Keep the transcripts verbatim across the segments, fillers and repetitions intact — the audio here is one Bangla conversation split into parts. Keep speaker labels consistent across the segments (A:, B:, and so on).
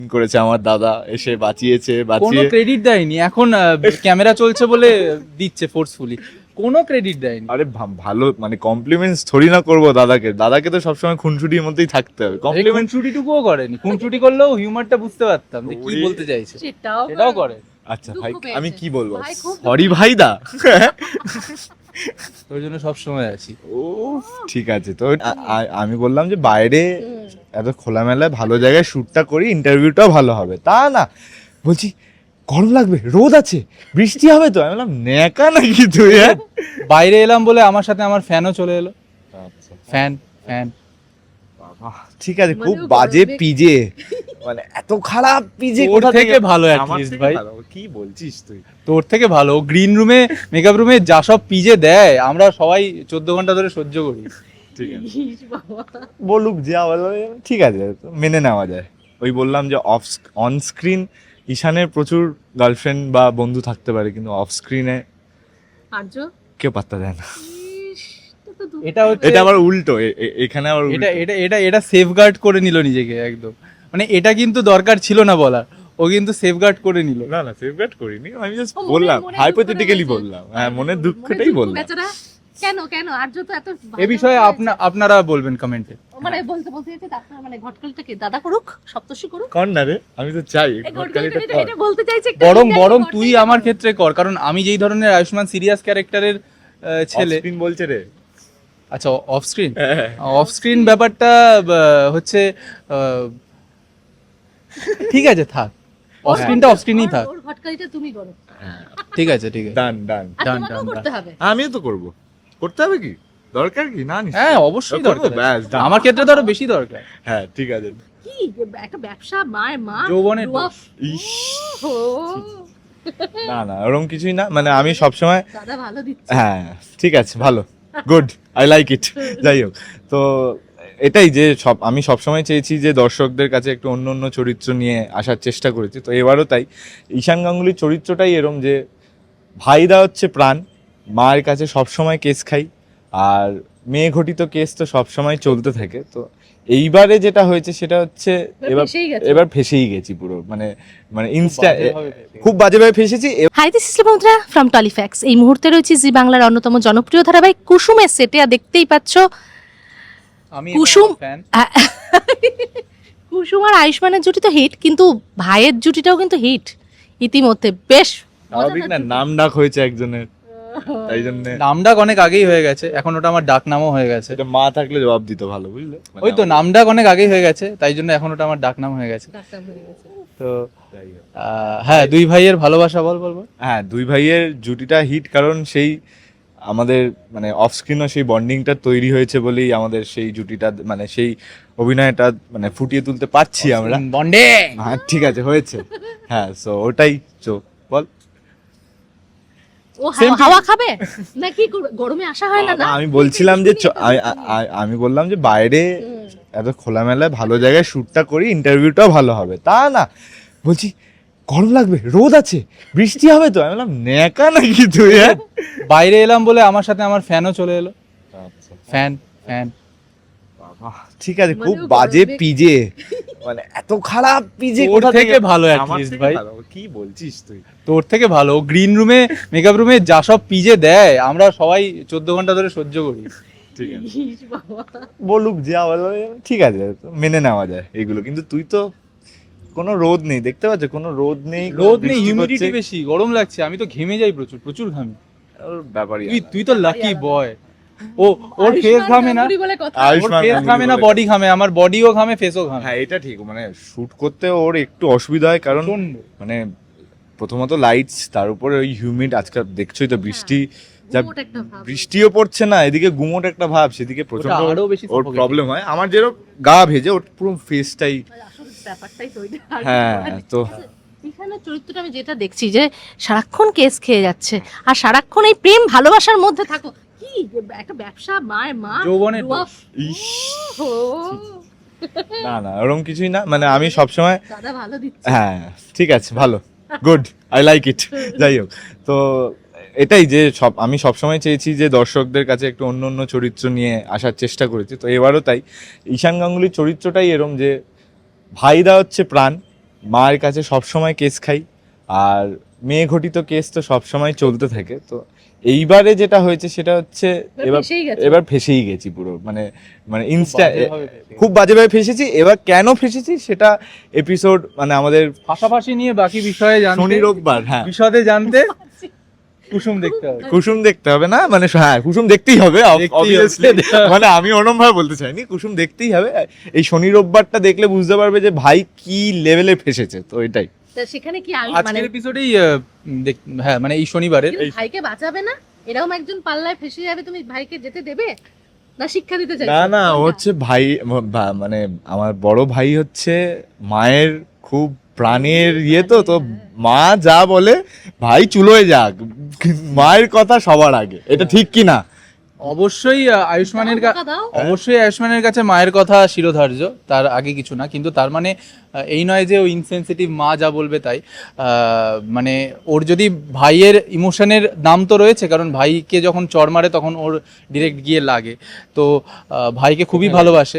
A: করেছে আমার দাদা, এসে বাঁচিয়েছে,
B: কোনো
A: বাঁচিয়ে
B: ক্রেডিট দেয়নি, এখন ক্যামেরা চলছে বলে দিচ্ছে ফোর্সফুলি, কোনো ক্রেডিট দেয়নি।
A: আরে ভা- ভালো মানে কমপ্লিমেন্টস থোড়ি না করবো দাদাকে, দাদাকে তো সবসময় খুনসুটির মধ্যেই থাকতে হবে। কমপ্লিমেন্ট
B: খুনসুটিটুকুও করেনি, খুনসুটি করলেও হিউমারটা বুঝতে পারতাম যে কি
A: ওরে।
B: বলতে চাইছে,
C: সেটাও
B: সেটাও করে।
A: আচ্ছা
C: দুঃখ
A: ভাই
C: পেয়েছে।
A: আমি কি বলবো,
C: ভাই খুব দুঃখ
A: সরি ভাই দা।
B: তোর জন্য সব সময় আছি।
A: ও ঠিক আছে, তো আ- আ- আমি বললাম যে বাইরে
C: হুম।
A: এত খোলামেলায় ভালো জায়গায় শ্যুটটা করি, ইন্টারভিউটাও ভালো হবে, তা না বলছি গরম লাগবে, রোদ আছে, বৃষ্টি হবে তো। আমি বললাম ন্যাকা নাকি তুই? হ্যাঁ
B: বাইরে এলাম বলে আমার সাথে আমার ফ্যানও চলে এলো,
A: আচ্ছা
B: ফ্যান ফ্যান
A: বাবা, ঠিক আছে,
C: মানে
A: খুব
C: ও
A: বাজে
C: গরমে-
A: পিজে, মানে এত খারাপ পিজে
B: তোর
A: কোথা
B: থেকে ভালো at
A: আমার
B: least
A: থেকে
B: ভাই।
A: ভালো। কি বলছিস তুই?
B: তোর থেকে ভালো। গ্রিন রুমে মেকআপ রুমে যা সব পিজে দেয় আমরা সবাই চোদ্দ ঘন্টা ধরে সহ্য করি।
A: ঠিক আছে,
C: ইস বাবা।
A: বলুক যা বলবে, ঠিক আছে, তো মেনে নেওয়া যায়। ওই বললাম যে অফ অন স্ক্রিন ঈশানের প্রচুর গার্লফ্রেন্ড বা বন্ধু থাকতে পারে, কিন্তু অফ স্ক্রিনে
C: আর্য
A: কেউ পাত্তা দেয় না।
C: ইস, এটা তো দুঃখ।
B: এটা হচ্ছে
A: এটা আবার উল্টো, এ- এ- এখানে আবার
B: এটা
A: উল্টো।
B: এটা এটা এটা সেফগার্ড করে নিল নিজেকে একদম, মানে এটা কিন্তু দরকার ছিল না বলার, ও কিন্তু সেফগার্ড করে নিল।
A: না না সেফগার্ড করিনি, আমি জাস্ট
C: ও, মনে-
A: বললাম,
C: মনে
A: হাইপোথেটিক্যালি
C: দুঃখটা
A: বললাম,
C: হয়েছে।
A: হ্যাঁ মনের
C: মনে
A: দুঃখটাই
C: দুঃখ
A: বললাম।
C: বেচারা। কেন কেন আর্য তো এত
B: এ বিষয়ে
C: ভালো
B: আপনা আপনারা বলবেন কমেন্টে।
C: হয়েছে। মানে বলতে বলতে যেতে আপনার মানে ঘটকালিটাকে দাদা করুক, সপ্তর্ষি করুক।
A: কর না রে, আমি তো চাই
C: এই
A: ঘটকালিটা
C: ঘটকালিটা এটা-
A: কর।
C: এটা বলতে চাইছে একটা
B: বরং
C: legal
B: বরং
C: ঘটকালি
B: তুই
C: দাও।
B: আমার ক্ষেত্রে কর, কারণ আমি যেই ধরনের আয়ুষ্মান সিরিয়াস ক্যারেক্টারের ছেলে।
A: Off screen বলছে রে।
B: আচ্ছা অফ স্ক্রিন,
A: হ্যাঁ।
B: অফ স্ক্রিন ব্যাপারটা আহ, হচ্ছে আহ, ঠিক আছে থাক, অফ স্ক্রিনটা অফ স্ক্রিনই
C: ওর-
B: থাক,
C: ওর ঘটকালিটা তুমি করো।
B: ঠিক আছে ঠিক আছে।
A: ডান ডান,
C: আর
B: Done,
C: তোমাকেও
B: done,
C: করতে হবে।
A: আমিও তো করব, করতে হবে কি, দরকার কি? না নিশ্চয়ই।
B: হ্যাঁ অবশ্যই
A: করবো,
B: দরকার
A: ব্যাস,
B: আছে।
A: done।
B: আমার ক্ষেত্রে তো আরো বেশি দরকার।
A: হ্যাঁ ঠিক আছে।
C: কি একটা ব্যবসা মায়ের মা
B: যৌবনের
C: রুয়া-
B: দোষ।
A: ইস,
C: ও,
A: না না ওরকম কিছুই না, মানে আমি সবসময়,
C: দাদা ভালো দিচ্ছে।
A: হ্যাঁ ঠিক আছে ভালো, গুড, আই লাইক ইট। যাই হোক, তো এটাই যে সব আমি সবসময় চেয়েছি যে দর্শকদের কাছে একটু অন্য অন্য চরিত্র নিয়ে আসার চেষ্টা করেছি, তো এবারও তাই। ঈশান গাঙ্গুলির চরিত্রটাই এরম যে ভাইরা হচ্ছে প্রাণ, মায়ের কাছে সবসময় কেস খাই, আর মেয়ে ঘটিত কেস তো সবসময় চলতে থাকে। তো এইবারে যেটা হয়েছে সেটা হচ্ছে এবার
C: ফেঁসেই গেছো।
A: এবার ফেসেই গেছি পুরো, মানে মানে ইনস্টা
B: বাজেভাবে ফেঁসে
A: খুব বাজেভাবে ফেসেছি।
C: হাই দিস ইসলাম বন্ধুরা ফ্রম টলিফ্যাক্স। এই মুহূর্তে রয়েছে জি বাংলার অন্যতম জনপ্রিয় ধারাবাহিক কুসুমের সেটে, আর দেখতেই পাচ্ছ
B: আমি
C: কুসুম-
B: ফ্যান।
C: কুসুম আর আয়ুষ্মানের জুটি তো হিট, কিন্তু ভাইয়ের জুটিটাও কিন্তু হিট ইতিমধ্যে। বেশ
A: স্বাভাবিক না, নাম ডাক হয়েছে একজনের, তাই জন্য
B: নামডাক অনেক আগেই হয়ে গেছে, এখন ওটা আমার ডাক নামও হয়ে গেছে।
A: এটা মা থাকলে জবাব দিত ভালো, বুঝলে? মানে
B: ওই তো নামডাক অনেক আগেই হয়ে গেছে, তাই জন্য এখন ওটা আমার ডাক নাম হয়ে গেছে। তো
A: যাই হোক।
B: আহ, হ্যাঁ দুই ভাইয়ের ভালোবাসা বল বলবো।
A: হ্যাঁ দুই ভাইয়ের জুটিটা হিট, কারণ সেই আমাদের মানে অফ স্ক্রিনও সেই বন্ডিংটা তৈরি হয়েছে বলেই আমাদের সেই জুটিটা মানে সেই অভিনয়টা মানে ফুটিয়ে তুলতে পারছি আমরা।
B: বন্ডিং।
A: হ্যাঁ ঠিক আছে হয়েছে, হ্যাঁ সো ওটাই চো বল।
C: ও
B: Same
C: হাওয়া খাবে নাকি গরমে আসা হয় না না
A: আমি বলছিলাম যে চ- আমি- আ- আমি বললাম যে বাইরে এত খোলামেলায় ভালো জায়গায় শ্যুটটা করি, ইন্টারভিউটাও ভালো হবে, তা না বলছি গরম লাগবে, রোদ আছে, বৃষ্টি হবে তো। আমি বললাম ন্যাকা নাকি তুই? হ্যাঁ
B: বাইরে এলাম বলে আমার সাথে আমার ফ্যানও চলে এলো,
A: আচ্ছা
B: ফ্যান ফ্যান।
A: বাবা, ঠিক আছে, খুব
C: মানে ও
A: বাজে
C: গরমে-
A: পিজে, মানে এত খারাপ পিজে
B: তোর
A: কোথা
B: থেকে ভালো at
A: আমার
B: least
A: থেকে
B: ভাই।
A: ভালো। কি বলছিস তুই?
B: তোর থেকে ভালো। গ্রিন রুমে মেকআপ রুমে যা সব পিজে দেয় আমরা সবাই চোদ্দ ঘন্টা ধরে সহ্য করি।
A: ঠিক আছে,
C: ইস বাবা।
A: বলুক যা বলবে, ঠিক আছে, তো মেনে নেওয়া যায় এগুলো, কিন্তু তুই তো কোনো রোদ নেই, দেখতে পাচ্ছ কোনো রোদ নেই, কোনো
B: রোদ নেই,
A: বৃষ্টি
B: হিউমিডিটি
A: পড়ছে।
B: বেশি, গরম লাগছে, আমি তো ঘেমে যাই প্রচুর প্রচুর ঘামি।
A: ওর ব্যাপারই
B: তুই
A: আলাদা।
B: তুই তো লাকি বয়। ও ওর ফেস
C: আয়ুষ্মান
B: ঘামে না,
C: গাঙ্গুলি বলে কথা।
B: ওর
A: আয়ুষ্মান
B: ফেস
A: গাঙ্গুলি
B: ঘামে না,
A: বলে
B: বডি ঘামে, আমার বডিও ঘামে ফেসও ঘামে।
A: হ্যাঁ এটা ঠিক, মানে শুট করতে ওর একটু অসুবিধা হয়, কারণ
B: প্রচণ্ড।
A: মানে প্রথমত লাইটস, তার উপরে ওই হিউমিড, আজকাল দেখছোই তো বৃষ্টি, যা
C: গুমোট একটা ভাব।
A: বৃষ্টিও পড়ছে না, এদিকে গুমোট একটা ভাব, সেদিকে প্রচন্ড
B: ওটা আরো বেশি
A: ওর
B: suffocating।
A: প্রবলেম হয়। আমার যেরকম গা ভেজে, ওর পুরো ফেসটাই,
C: আসল ব্যাপারটাই তো ওইটা। আর
A: হ্যাঁ
C: কিছু না।
A: তো
C: এখানে চরিত্রটা আমি যেটা দেখছি যে সারাক্ষণ কেস খেয়ে যাচ্ছে, আর সারাক্ষণ এই প্রেম ভালোবাসার মধ্যে থাকো। কি একটা ব্যবসা মায়ের মা
B: যৌবনের
C: রুয়া-
B: দোষ।
A: ইস,
C: ও,
A: না না ওরকম কিছুই না, মানে আমি সবসময়,
C: দাদা ভালো দিচ্ছে।
A: হ্যাঁ ঠিক আছে ভালো, গুড, আই লাইক ইট। যাই হোক, তো এটাই যে সব আমি সবসময় চেয়েছি যে দর্শকদের কাছে একটু অন্য অন্য চরিত্র নিয়ে আসার চেষ্টা করেছি, তো এবারও তাই। ঈশান গাঙ্গুলির চরিত্রটাই এরম যে ভাইরা হচ্ছে প্রাণ, মার কাছে সবসময় কেস খাই, আর মেয়ে ঘটিত কেস তো সবসময় চলতে থাকে। তো এইবারে যেটা হয়েছে সেটা হচ্ছে এবার
C: ফেঁসেই গেছো।
A: এবার ফেসেই গেছি পুরো, মানে মানে ইনস্টা
B: বাজেভাবে ফেঁসে
A: খুব বাজেভাবে ফেসেছি। এবার কেন ফেসেছি সেটা এপিসোড মানে আমাদের
B: পাশাপাশি নিয়ে বাকি বিষয়ে
A: শনি
B: জানতে,
A: রোববার, হ্যাঁ
B: বিশদে জানতে কুসুম দেখতে হবে।
A: কুসুম দেখতে হবে না, মানে হ্যাঁ কুসুম দেখতেই হবে
B: দেখতেই
A: obviously।
B: হবে।
A: মানে আমি ওরম ভাবে বলতে চাইনি, কুসুম দেখতেই হবে। এই শনি রোববারটা দেখলে বুঝতে পারবে যে ভাই কি লেভেলে ফেসেছে। তো এটাই
C: তা সেখানে কি আয়ু- মানে
B: আজকের এপিসোডেই হ্যাঁ মানে এই শনিবারের
C: কিন্তু ভাইকে বাঁচাবে না? এরকম একজন পাল্লায় ফেসে যাবে, তুমি ভাইকে যেতে দেবে না শিক্ষা দিতে চাইছো?
A: না না, ও হচ্ছে ভাই ভা- মানে আমার বড় ভাই হচ্ছে মায়ের খুব প্রাণের ইয়ে। তো তো মা যা বলে ভাই চুলোয় যাক, মায়ের কথা সবার আগে, এটা ঠিক কি না?
B: অবশ্যই আহ, আয়ুষ্মানের কা-
C: টাকা দাও।
B: অবশ্যই আয়ুষ্মানের কাছে মায়ের কথা শিরোধার্য, তার আগে কিছু না। কিন্তু তার মানে আহ, এই নয় যে ও ইনসেনসিটিভ, মা যা বলবে তাই। আহ, মানে ওর যদি ভাইয়ের ইমোশনের দাম তো রয়েছে, কারণ ভাইকে যখন চড় মারে তখন ওর ডিরেক্ট গিয়ে লাগে। তো আহ, ভাইকে খুবই ভালোবাসে,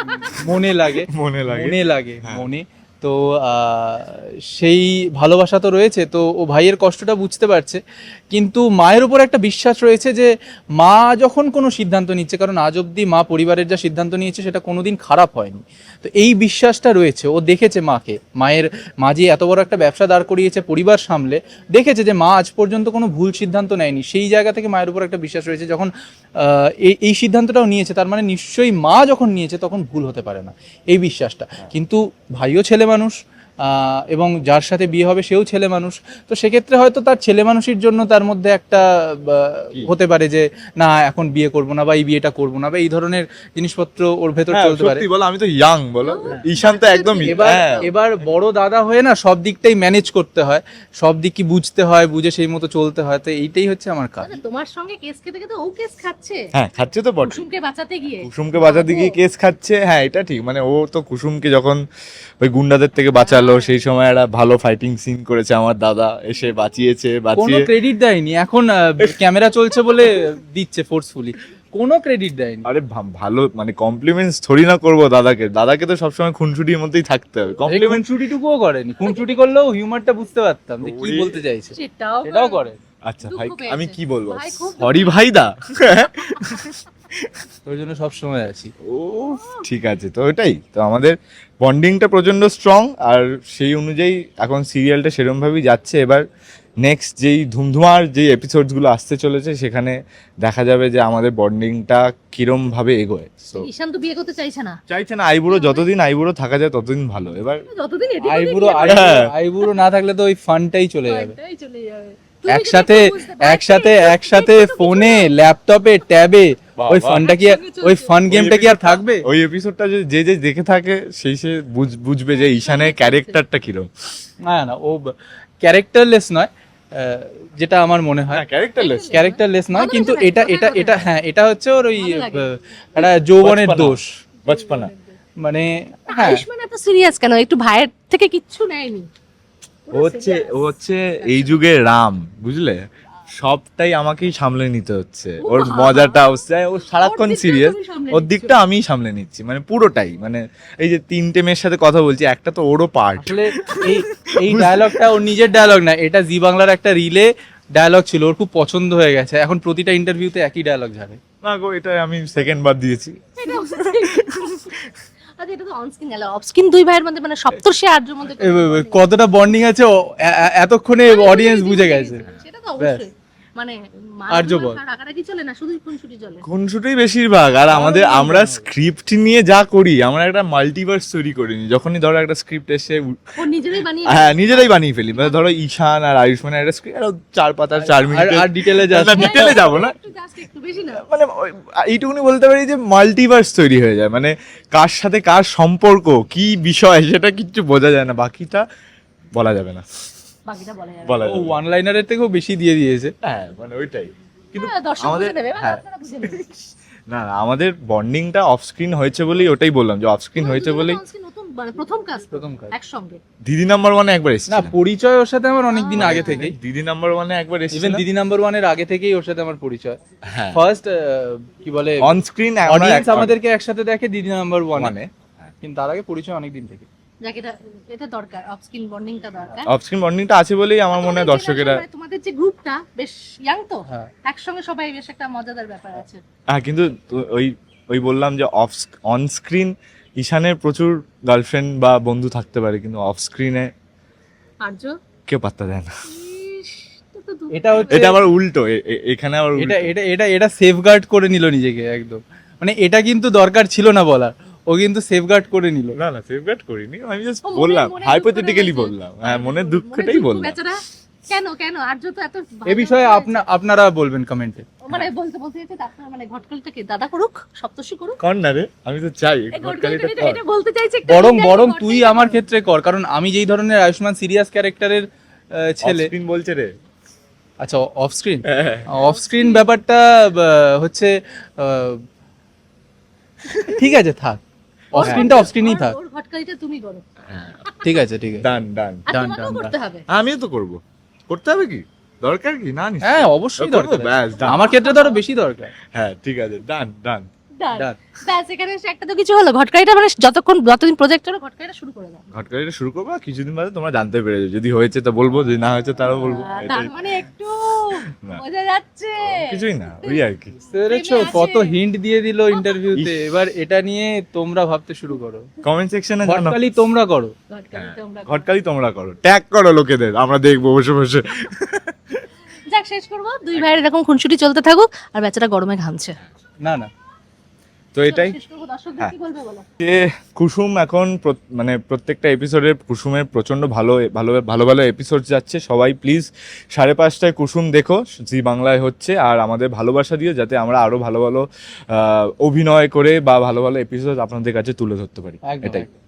B: মনে লাগে
A: মনে লাগে।
B: মনে লাগে
A: হ্যাঁ।
B: মনে। তো আহ, সেই ভালোবাসা তো রয়েছে, তো ও ভাইয়ের কষ্টটা বুঝতে পারছে। কিন্তু মায়ের উপর একটা বিশ্বাস রয়েছে যে মা যখন কোনো সিদ্ধান্ত নিচ্ছে, কারণ আজ অবধি মা পরিবারের যা সিদ্ধান্ত নিয়েছে সেটা কোনোদিন খারাপ হয়নি। তো এই বিশ্বাসটা রয়েছে, ও দেখেছে মাকে, মায়ের মা যে এত বড় একটা ব্যবসা দাঁড় করিয়েছে পরিবার সামলে, দেখেছে যে মা আজ পর্যন্ত কোনো ভুল সিদ্ধান্ত নেয়নি। সেই জায়গা থেকে মায়ের উপর একটা বিশ্বাস রয়েছে। যখন আহ, এই এই সিদ্ধান্তটাও নিয়েছে, তার মানে নিশ্চয়ই মা যখন নিয়েছে তখন ভুল হতে পারে না, এই বিশ্বাসটা। কিন্তু ভাইও ছেলে মানুষ, আহ, এবং যার সাথে বিয়ে হবে সেও ছেলে মানুষ। তো সেক্ষেত্রে হয়তো তার ছেলে মানুষের জন্য তার মধ্যে একটা বা, হতে পারে যে না এখন বিয়ে করব না, বা এই বিয়েটা করব না, বা এই ধরনের জিনিসপত্র ওর ভেতর
A: হ্যাঁ,
B: চলতে পারে।
A: সত্যি বলো, আমি তো ইয়াং বলো, ঈশান তো একদম
B: এবার
A: হ্যাঁ।
B: এবার বড় দাদা হয়ে না সব দিকটাই ম্যানেজ করতে হয়, সব দিকই বুঝতে হয়, বুঝে সেই মতো চলতে হয়। তো এইটাই হচ্ছে আমার কাজ।
C: আচ্ছা, তোমার সঙ্গে কেস খেতে খেতে ও কেস খাচ্ছে
A: হ্যাঁ খাচ্ছে তো বটে,
C: কুসুমকে বাঁচাতে গিয়ে।
A: কুসুমকে বাঁচাতে গিয়ে কেস খাচ্ছে। হ্যাঁ এটা ঠিক, মানে ও তো কুসুমকে যখন ওই গুন্ডাদের থেকে বাঁচালো সেই সময় একটা ভালো ফাইটিং সিন করেছে আমার দাদা, এসে বাঁচিয়েছে।
B: কোনো
A: বাঁচিয়ে
B: ক্রেডিট দেয়নি, এখন ক্যামেরা চলছে বলে দিচ্ছে ফোর্সফুলি, কোনো ক্রেডিট দেয়নি।
A: আরে ভা- ভালো মানে কমপ্লিমেন্টস থরি না করবো দাদাকে, দাদাকে তো সবসময় খুনসুটির মধ্যেই থাকতে হবে। কমপ্লিমেন্ট
B: খুনসুটিটুকুও করেনি, খুনসুটি করলেও হিউমারটা বুঝতে পারতাম যে কি
A: ওরে।
B: বলতে চাইছে,
C: সেটাও
B: এটাও করে।
A: আচ্ছা
C: দুঃখ
A: ভাই
C: পেয়েছে।
A: আমি কি বলবো,
C: ভাই খুব
A: সরি ভাই দা।
B: ওই জন্য সব সময় আছি।
A: ও ঠিক আছে, তো ওটাই তো আমাদের বন্ডিংটা প্রচন্ড স্ট্রং, আর সেই অনুযায়ী এখন সিরিয়ালটা সেরকমভাবেই যাচ্ছে। এবার নেক্সট যেই ধুমধুমার যেই এপিসোডসগুলো আসতে চলেছে সেখানে দেখা যাবে যে আমাদের বন্ডিংটা কিরম ভাবে এগোয়। সো
C: ঈশান তো বিয়ে করতে চাইছে না,
A: চাইছে না আইবুড়ো, যতদিন আইবুড়ো থাকা যায় ততদিন ভালো। এবার
C: যতদিন এদিক ওদিক
B: আইবুড়ো
C: গিয়ে
B: আইবুড়ো-
A: হ্যাঁ।
B: আইবুড়ো না থাকলে তো ওই ফানটাই চলে যাবে।
C: ওইটাই চলে যাবে। তুমি যদি
B: একসাথে
C: একটু বুঝতে পারতে,
B: একসাথে
C: একটু
B: একসাথে
C: একটু
B: ফোনে, ল্যাপটপে, ট্যাবে ওই
A: বাবা।
B: ফানটা কি আর,
C: একসঙ্গে
B: ওই
C: চলছে।
B: ফান গেমটা কি আর থাকবে?
A: ওই এপিসোডটা যে যে দেখে থাকে সেই সে বুঝ- বুঝবে যে ঈশানের ক্যারেক্টারটা কিরম।
B: না না, ও ক্যারেক্টারলেস নয়, আহ, যেটা আমার মনে হয়
A: হ্যাঁ ক্যারেক্টারলেস।
B: ক্যারেক্টারলেস নয়,
C: ভালো
B: কিন্তু
C: লাগে,
B: এটা
C: কথা
B: এটা
C: বলে।
B: এটা হ্যাঁ এটা হচ্ছে ওর ওই
C: ভালো লাগে।
B: আহ, একটা যৌবনের
A: বচপনা।
B: দোষ।
A: বচপনা।
B: মানে হ্যাঁ,
C: আয়ুষ্মান এত সিরিয়াস কেন? একটু ভাইয়ের থেকে কিচ্ছু নেয়নি।
A: ও হচ্ছে ও হচ্ছে এই যুগের রাম, বুঝলে, সবটাই আমাকেই সামলে নিতে হচ্ছে। ওর
C: বাবা।
A: মজাটা হচ্ছে ও সারাক্ষণ
C: ওর দিকটা
A: সিরিয়াস,
C: তুমি সামলে
A: ওর
C: নিচ্ছো।
A: দিকটা আমি সামলে নিচ্ছি, মানে পুরোটাই। মানে এই যে তিনটে মেয়ের সাথে কথা বলছি, একটা তো ওরও পার্ট।
B: আসলে এই এই ডায়লগটা ওর নিজের ডায়লগ না, এটা জি বাংলার একটা রিলে ডায়লগ ছিল, ওর খুব পছন্দ হয়ে গেছে, এখন প্রতিটা ইন্টারভিউতে একই ডায়লগ ঝাড়ে।
A: না গো, এটা আমি সেকেন্ড বার দিয়েছি।
C: আচ্ছা, এটা তো অনস্ক্রিন গেল, অফস্ক্রিন দুই ভাইয়ের মধ্যে মানে সপ্তর্ষি আর্যের মধ্যে
B: এ, এ, এ, কতটা বন্ডিং আছে ও এ- এ- এতক্ষণে অডিয়েন্স বুঝে গেছে।
C: সেটা তো অবশ্যই। মানে
B: আর্য বল।
C: রাগারাগি চলে না, শুধু খুনসুটি চলে।
A: খুনসুটিই বেশিরভাগ। আর আমাদের আমরা স্ক্রিপ্ট নিয়ে যা করি, আমরা একটা মাল্টিভার্স তৈরি করিনি। যখনই ধরো একটা স্ক্রিপ্ট এসে
C: ও নিজেরাই বানিয়ে
A: হ্যাঁ নিজেরাই বানিয়ে ফেলি। মানে ধরো ঈশান আর আয়ুষ্মানের একটা স্ক্রিপ্ট, চার পাতার চার
B: আর
A: মিনিট,
B: আর ডিটেলে যা
A: না ডিটেলে যাবো না,
C: একটু just একটু বেশি না।
A: মানে ওই- এইটুকুনি বলতে পারি যে মাল্টিভার্স তৈরি হয়ে যায়। মানে কার সাথে কার সম্পর্ক, কি বিষয়, সেটা কিচ্ছু বোঝা যায় না। বাকিটা বলা যাবে না,
C: বাকিটা বলা যাবে না।
A: বলা
B: ও
A: যাবে না।
B: ওয়ান লাইনারের থেকেও বেশি দিয়ে দিয়েছে।
A: হ্যাঁ মানে ওইটাই। কিন্তু
C: হ্যাঁ, দর্শক
A: আমাদের
C: বুঝে নেবে, এবার
A: হ্যাঁ
C: আপনারা বুঝে নেবেন।
A: না না, আমাদের বন্ডিংটা অফ স্ক্রিন হয়েছে বলেই, ওটাই বললাম যে অফ স্ক্রিন হয়েছে বলেই।
C: অনস্ক্রিন নতুন মানে প্রথম কাজ তো,
B: প্রথম কাজ।
C: একসঙ্গে।
A: দিদি নাম্বার ওয়ানে একবার এসেছি
B: না, পরিচয় ওর সাথে আমার অনেক দিন আগে থেকেই,
A: দিদি নাম্বার ওয়ানে একবার এসেছি
B: ইভেন দিদি নাম্বার ওয়ানের আগে থেকেই ওর সাথে আমার পরিচয়।
A: হ্যাঁ
B: ফার্স্ট কি বলে
A: অন স্ক্রিন
B: অডিয়েন্স আমাদেরকে একসাথে দেখে দিদি নাম্বার ওয়ানে,
A: মানে
B: কিন্তু তার আগে পরিচয় অনেক দিন থেকে।
C: যাকে এটা এটা দরকার, অফ স্ক্রিন বন্ডিংটা দরকার।
A: অফ স্ক্রিন বন্ডিংটা আছে বলেই আমার মনে হয় দর্শকেরা,
C: তোমাদের যে গ্রুপটা বেশ ইয়াং তো,
B: হ্যাঁ।
C: একসঙ্গে সবাই বেশ একটা মজাদার ব্যাপার আছে।
A: হ্যাঁ কিন্তু তো- ওই ওই বললাম যে অফ অন স্ক্রিন ঈশানের প্রচুর গার্লফ্রেন্ড বা বন্ধু থাকতে পারে, কিন্তু অফ স্ক্রিনে
C: আর্য
A: কেউ পাত্তা দেয় না।
C: ইস, এটা তো দুঃখ।
B: এটা হচ্ছে
A: এটা আবার উল্টো, এ- এ- এখানে আবার
B: এটা
A: উল্টো।
B: এটা এটা এটা সেফগার্ড করে নিল নিজেকে একদম, মানে এটা কিন্তু দরকার ছিল না বলা, ও কিন্তু সেফগার্ড করে নিল।
A: না না সেফগার্ড করিনি, আমি জাস্ট
C: ও, মনে-
A: বললাম
C: মনে
A: হাইপোথেটিক্যালি
C: দুঃখটা
A: বললাম, হ্যাঁ মনের
C: মনের
A: দুঃখটাই
C: দুঃখ
A: বললাম।
C: বেচারা। কেন কেন আর্য তো এত
B: এ বিষয়ে
C: ভালো
B: আপনা আপনারা বলবেন কমেন্টে।
C: ও মানে বলতে বলতে যেতে আপনার মানে ঘটকালিটা কি দাদা করুক, সপ্তর্ষি করুক?
A: কর না রে, আমি তো চাই
C: এই
A: ঘটকালিটা
C: ঘটকালিটা এটা-
A: কর।
C: এটা বলতে চাইছে একটা
B: বরং
C: leader,
B: বরং
C: ঘটকালিটা
B: তুই
C: কর।
B: আমার ক্ষেত্রে কর, কারণ আমি যেই ধরনের আয়ুষ্মান সিরিয়াস ক্যারেক্টারের ছেলে।
A: Off screen বলছে রে।
B: আচ্ছা অফ স্ক্রিন,
A: হ্যাঁ।
B: অফ স্ক্রিন ব্যাপারটা আহ, হচ্ছে আহ, ঠিক আছে থাক, অফ স্ক্রিনটা অফ স্ক্রিনই
C: ওর-
B: থাক,
C: ওর ঘটকালিটা তুমি করো,
B: ঠিক আছে ঠিক আছে।
A: ডান ডান।
C: আর
B: Done,
C: তোমাকেও
B: done,
C: করতে হবে।
A: আমিও তো করব, করতে হবে কি, দরকার কি না নিশ্চয়ই।
B: হ্যাঁ অবশ্যই
A: করবো,
B: দরকার
A: ব্যাস,
B: আছে।
A: done।
B: আমার ক্ষেত্রে তো আরো বেশি দরকার।
A: হ্যাঁ ঠিক আছে, ডান ডান।
C: Done.
B: Done.
C: ব্যাস এখানে এসে একটা তো কিছু হলো, ঘটকালিটা মানে যতক্ষণ যতদিন প্রজেক্ট চলো ঘটকালিটা শুরু করে দাও।
A: ঘটকালিটা শুরু করবো, আর কিছুদিন বাদে তোমরা জানতে পেরে যাবে, যদি হয়েছে তো বলবো, যদি না হয়েছে তারও বলবো,
C: আহ,
A: এটাই।
C: তার মানে একটু
A: না।
C: বোঝা যাচ্ছে।
A: কিছুই না, ওই আর কি।
B: বুঝেছো
C: প্রেমে
B: কত
C: আছে।
B: হিন্ট দিয়ে দিল ইন্টারভিউতে, এবার এটা নিয়ে তোমরা ভাবতে শুরু করো,
A: কমেন্ট সেকশনে জানো,
B: ঘটকালি তোমরা করো।
C: ঘটকালি তোমরা করো।
A: ঘটকালি তোমরা করো, ট্যাগ করো লোকেদের, আমরা দেখবো বসে বসে।
C: যাক শেষ করবো, দুই ভাইয়ের এরকম খুনসুটি চলতে থাকুক, আর বেচারা গরমে ঘামছে।
B: না না
A: তো এটাই
C: শেষ করবো, দর্শকদের
A: হ্যাঁ।
C: কি বলবে বলো?
A: যে কুসুম এখন প্র- মানে প্রত্যেকটা এপিসোডের কুসুমের প্রচন্ড ভালো ভালো ভালো ভালো এপিসোড যাচ্ছে, সবাই প্লিজ সাড়ে পাঁচটায় কুসুম দেখো, জি বাংলায় হচ্ছে, আর আমাদের ভালোবাসা দিও যাতে আমরা আরো ভালো ভালো আহ, অভিনয় করে বা ভালো ভালো এপিসোড আপনাদের কাছে তুলে ধরতে পারি,
B: একদম,
A: এটাই।
B: একদম।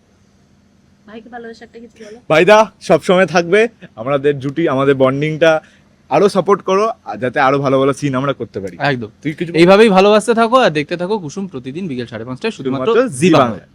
C: ভাইকে ভালোবাসা একটা কিছু বলো।
A: ভাইদা সবসময় থাকবে, আমাদের জুটি আমাদের বন্ডিংটা আরো সাপোর্ট করো, আর যাতে আরো ভালো ভালো সিন আমরা করতে পারি।
B: একদম
A: তুই কিছু
B: এইভাবেই ভালোবাসতে থাকো আর দেখতে থাকো কুসুম প্রতিদিন বিকেল সাড়ে পাঁচটায় শুধুমাত্র
A: শুধুমাত্র
B: জি
A: জি
B: বাংলা।
A: বাংলায়।